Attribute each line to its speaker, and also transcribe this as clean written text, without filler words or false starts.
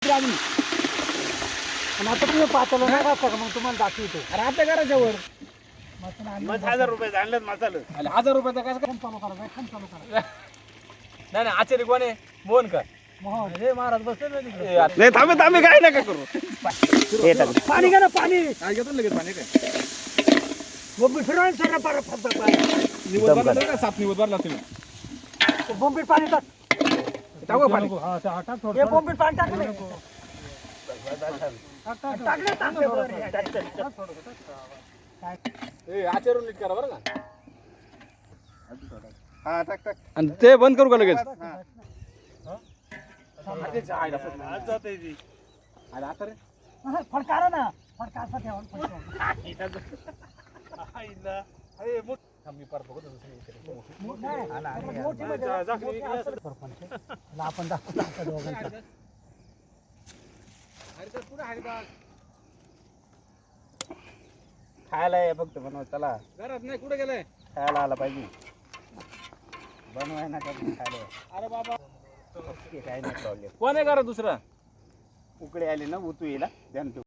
Speaker 1: घेतली आम्ही.
Speaker 2: आणि आता तुम्ही पाचला नाही का मग तुम्हाला दाखवतो.
Speaker 1: अरे आपल्या घराच्या वर
Speaker 3: मग 1000 रुपये आणलं मसालं.
Speaker 1: 1000 रुपयाचा काय
Speaker 2: खाम चालू करा खाम चालू करा.
Speaker 1: नाही नाही आचार्य कोण आहे मोहन का
Speaker 2: मोहन.
Speaker 1: हे महाराज बसले ना तिकडे.
Speaker 3: नाही थांबे काय नका करू.
Speaker 2: पाणी घ्या ना पाणी.
Speaker 1: काय घेतो लगेच पाणी काय
Speaker 2: बोंबील फिरवायला सर परत फक्त पाणी.
Speaker 1: निवड भरला का साप निवड भरला तुम्ही
Speaker 2: बोंबील पाणी टाक.
Speaker 1: टाकू पाणी
Speaker 2: हे बोंबील पाणी टाकलं. टाकलं टाकलं बरं.
Speaker 1: ए आचार्य नीट करा बरं का
Speaker 3: हा टाक टाक.
Speaker 1: आणि ते बंद करू का लगेच
Speaker 3: आज जाते ती.
Speaker 1: आता रे
Speaker 2: फडकारा ना फडका असा ठेवा
Speaker 1: मी परत बघतो
Speaker 2: आपण दाखवतो दोघांचा.
Speaker 3: खायला आहे फक्त बनव चला.
Speaker 1: घरात नाही कुठे गेलाय
Speaker 3: खायला आला पाहिजे. बनवाय ना का खायला.
Speaker 1: अरे बाबा
Speaker 3: काय नाही प्रॉब्लेम.
Speaker 1: कोण आहे घरात दुसरा
Speaker 3: उकडे आले ना उतू येईल ध्यान ठेव.